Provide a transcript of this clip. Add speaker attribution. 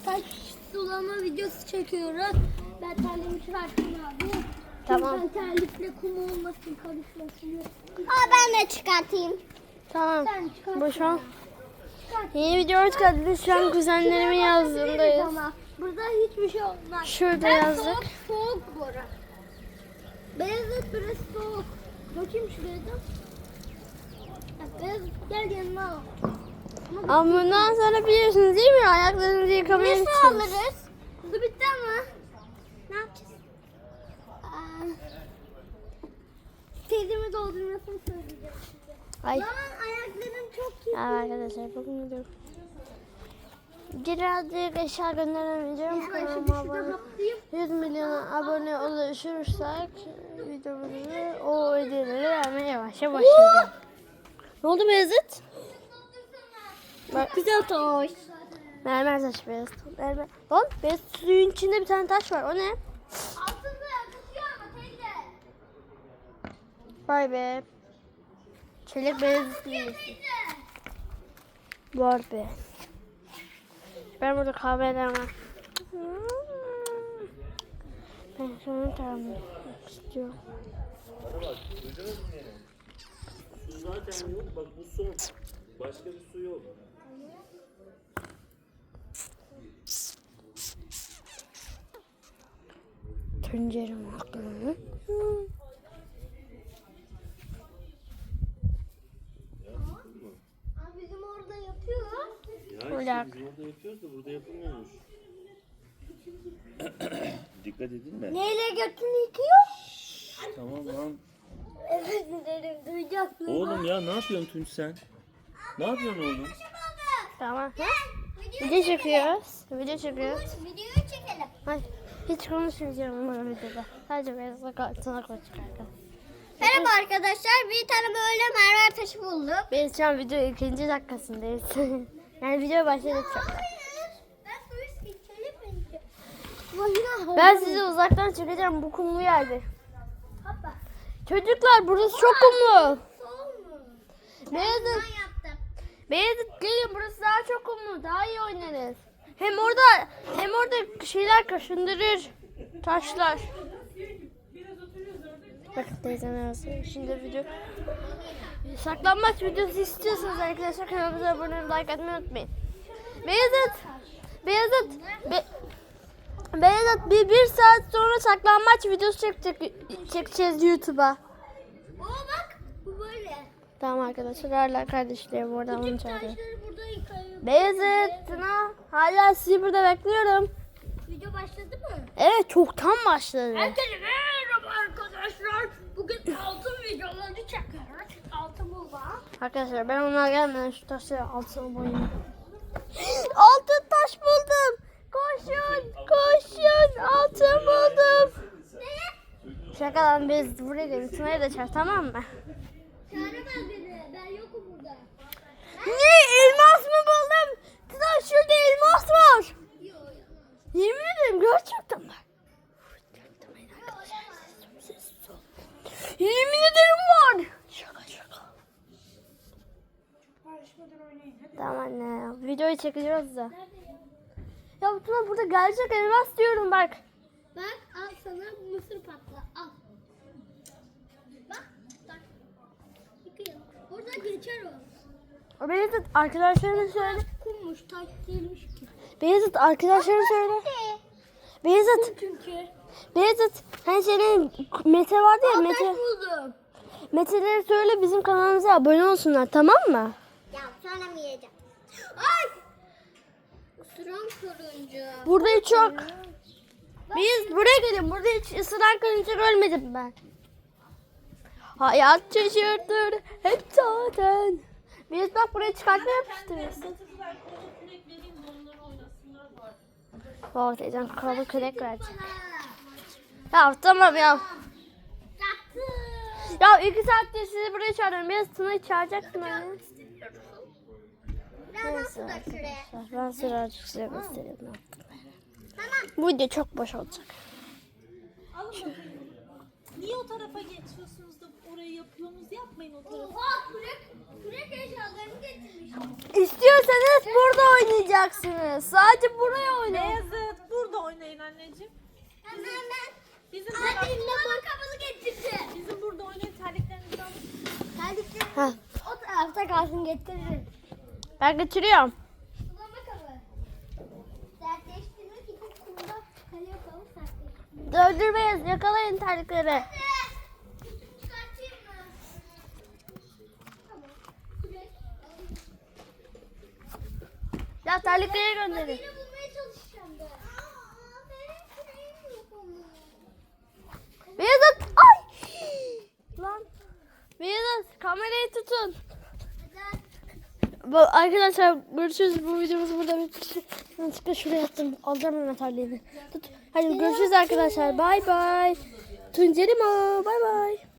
Speaker 1: saç sulama videosu çekiyoruz. Ben terliğimi çıkartayım abi.
Speaker 2: Tamam.
Speaker 1: Ben terlikle kum olmasın, karışmasın.
Speaker 3: Ben de çıkartayım.
Speaker 2: Tamam.
Speaker 1: Sen çıkart.
Speaker 2: Bu şu an
Speaker 1: Çıkart.
Speaker 2: yeni video hoş geldiniz. Şu an kuzenlerimin yazdığındayız.
Speaker 1: Ama burada hiçbir şey olmaz.
Speaker 2: Şurada
Speaker 1: Ben
Speaker 2: yazdık.
Speaker 1: soğuk bora. Beyazıt biraz soğuk. Bakayım şuraya da. Beyazıt gel yanıma al.
Speaker 2: Ama bundan sonra biliyorsunuz değil mi? Ayaklarınızı yıkamaya
Speaker 1: Ne
Speaker 2: gideceğiz.
Speaker 1: alırız? Bu bitti ama. Ne yapacağız? Teyzemi doldurmasını söyleyeceğim size.
Speaker 2: Ay.
Speaker 1: Lan ayaklarım çok iyi.
Speaker 2: Ya arkadaşlar bugün video. Birazcık eşya gönderemeyeceğim.
Speaker 1: Ben şimdi
Speaker 2: Kanalıma
Speaker 1: şuradan
Speaker 2: abone.
Speaker 1: haplayayım.
Speaker 2: 100 milyona abone ulaşırsak videomuzu o ödülleri vermeye başlayacağım. Ne oldu Beyazıt? Bak
Speaker 1: Güzel toş.
Speaker 2: mermer taş Beyazıt. Mermer. Lan Beyazıt suyun içinde bir tane taş var. O ne?
Speaker 1: Altında yakışıyor ama teyze.
Speaker 2: Vay be. Çelik Beyazıt
Speaker 1: Teyze.
Speaker 2: var be. Ben burada kahve edemem. Ben şunu tahmin etmek istiyorum.
Speaker 4: Bana bak, duydunuz mu yine? Su zaten yok, bak bu son. Başka bir su yok.
Speaker 2: Tencerem aklımı.
Speaker 1: Abi bizim orada yapıyor.
Speaker 4: Ya
Speaker 2: Olak.
Speaker 4: işte biz orada yapıyoruz da burada yapılmıyormuş. Dikkat edin mi?
Speaker 1: Neyle götünü yıkıyor?
Speaker 4: Tamam lan.
Speaker 1: Evet derim duyacaksın.
Speaker 4: Oğlum ya ne yapıyorsun Tunç sen? Ne yapıyorsun oğlum?
Speaker 2: Tamam. Video çekiyoruz. Video çekiyoruz.
Speaker 1: Videoyu çekelim.
Speaker 2: Hayır. Hiç konuşmayacağım bu videoda. Sadece Beyazıt'la kartına koşacak.
Speaker 1: Merhaba arkadaşlar. Bir tane böyle mermer taşı bulduk.
Speaker 2: Biz şu an video 2. dakikasındayız. Yani video başladık çok.
Speaker 1: Ben polis geçelim mi?
Speaker 2: Ben sizi uzaktan çekeceğim bu kumlu yerde.
Speaker 1: Hoppa.
Speaker 2: Çocuklar burası çok kumlu.
Speaker 1: Sol mu?
Speaker 2: Beyazıt,
Speaker 1: Ben yaptım.
Speaker 2: Beyazıt gelin burası daha çok kumlu. Daha iyi oynarız. Hem orada şeyler kaşındırır. Taşlar. Bakın teyzem yazıyor. Şimdi video. Saklanmaç videosu istiyorsanız arkadaşlar kanalımıza abone olmayı, like atmayı unutmayın. Beyazıt bir saat sonra saklanmaç videosu çekeceğiz YouTube'a.
Speaker 1: Oo bak bu böyle.
Speaker 2: Tamam arkadaşlar hala kardeşlerim oradan
Speaker 1: Bütün
Speaker 2: onu çağırıyor.
Speaker 1: taşları burada yıkayıp.
Speaker 2: Beyazıt, Tuna hala sizi burada bekliyorum.
Speaker 1: Video başladı mı?
Speaker 2: Evet çoktan başladı.
Speaker 1: Herkese merhaba arkadaşlar. Bugün altın videoları çekiyoruz. Altın bulma.
Speaker 2: Arkadaşlar ben onlar gelmeden şu taşları altına boyayayım. Altın taş buldum. Koşun altın buldum. Şakadan biz buraya gelin. Tuna'yı da çağır tamam mı?
Speaker 1: Çağıramaz beni. Ben yokum burada.
Speaker 2: Ne elmas mı buldum? Tuna şurada elmas var.
Speaker 1: Yok.
Speaker 2: Yemin ederim gerçekten var. Yemin ederim var. Şaka. Tamam anne ya. Videoyu çekeceğiz da. Ya Tuna burada gerçek elmas diyorum bak.
Speaker 1: Bak al sana mısır patla. Al. Bak. Tak. Yıkayalım. Burada geçer o.
Speaker 2: O Beyazıt arkadaşlarına söyle.
Speaker 1: Kummuş taş değilmiş ki.
Speaker 2: Beyazıt arkadaşlarına söyle. Beyazıt.
Speaker 1: Çünkü.
Speaker 2: Beyazıt. Hani senin Mete vardı ya
Speaker 1: Taş
Speaker 2: Mete.
Speaker 1: buldum.
Speaker 2: Mete'lere söyle bizim kanalımıza abone olsunlar tamam mı?
Speaker 1: Ya sonra mı yiyeceğim? Ay! Isıran karınca.
Speaker 2: Burada hiç yok. Biz buraya gelin. Burada hiç ısıran karınca görmedim ben. Hayat şaşırtır hep zaten. Biz bak buraya çıkartma yapıştırırız. Oh teyzem kralı kürek verecek. Ya tamam ya.
Speaker 1: Yaktı.
Speaker 2: Ya 2 saattir sizi buraya çağırıyorum. Biraz Tuna'yı çağıracaktım hani.
Speaker 1: Ben nasıl da şuraya?
Speaker 2: Ben sıra size göstereyim. Ne yaptım.
Speaker 1: Tamam.
Speaker 2: Bu video çok boş olacak.
Speaker 5: Niye o tarafa geçiyorsunuz da oraya orayı yapıyorsunuz. Yapmayın o tarafı.
Speaker 1: Oha kürek eşyalarını getirmiş.
Speaker 2: İstiyorsanız burada oynayacaksınız. Sadece buraya oynayın.
Speaker 5: Beyazıt burada oynayın anneciğim.
Speaker 1: Hemen
Speaker 5: Bizim
Speaker 1: Annem
Speaker 5: burada,
Speaker 1: bana kafanı getirdi.
Speaker 5: bizim burada oynayın, terliklerinizi alın.
Speaker 1: Terlikleri
Speaker 2: Ha,
Speaker 1: o tarafta kalsın getiririm.
Speaker 2: ben getiriyorum.
Speaker 1: Sulama kabı. Sertleştirmek için kumda kale yapalım sertleştirmek.
Speaker 2: Döndür Beyaz, yakalayın terlikleri.
Speaker 1: Çıkartayım mı? Tamam. Kürek.
Speaker 2: Ya terlikleri gönderin.
Speaker 1: Yine bulmaya çalışacağım ben. Benim küreğim yok ama.
Speaker 2: Beyazıt, ay! Lan. Beyazıt, kamerayı tutun.
Speaker 1: Neden?
Speaker 2: Arkadaşlar görüşürüz. Bu videomuz burada bitti. Yanlışlıkla şuraya attım. Alacağım hemen terliğini. Tut. Hadi görüşürüz arkadaşlar. Bay bay. Tuncerimo. Bay bay.